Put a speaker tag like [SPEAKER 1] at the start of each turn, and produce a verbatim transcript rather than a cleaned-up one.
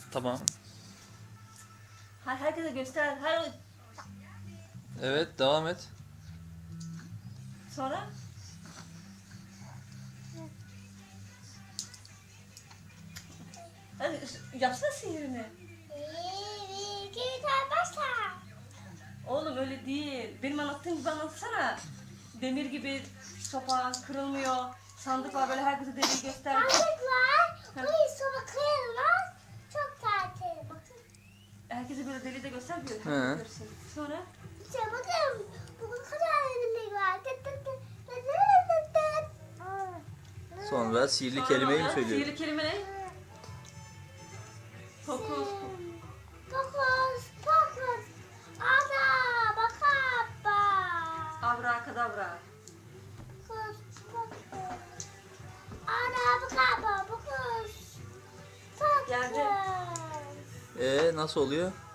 [SPEAKER 1] Tamam.
[SPEAKER 2] Her herkese göster. Her
[SPEAKER 1] Evet, devam et.
[SPEAKER 2] sonra hadi yapsana sihirini.
[SPEAKER 3] Bir, iki, üç, başla.
[SPEAKER 2] Oğlum öyle değil. Benim anlattığım gibi anlatsana. Demir gibi sopa kırılmıyor. Sandık var böyle herkese deliği göster.
[SPEAKER 3] Sandıklar, bu soba kıyılmaz. Çok tatil. Bakın.
[SPEAKER 2] Herkese böyle deliği de göster diyor.
[SPEAKER 1] He.
[SPEAKER 2] Herkes görsün. Sonra
[SPEAKER 3] İşte bakın. Bugün kadar elimde var. Tıt tıt tıt tıt tıt tıt tıt. Aa.
[SPEAKER 1] Sonra sihirli
[SPEAKER 2] sonra
[SPEAKER 1] kelimeyi mi
[SPEAKER 2] ne oluyor?
[SPEAKER 1] söylüyor?
[SPEAKER 2] Sihirli kelime ne? Fokus.
[SPEAKER 3] Fokus, fokus. Ana, bakaba.
[SPEAKER 2] Abrakadabra.
[SPEAKER 3] Fokus, fokus. Ana, bakaba, fokus. Fokus.
[SPEAKER 2] Geldi.
[SPEAKER 1] Ee nasıl oluyor?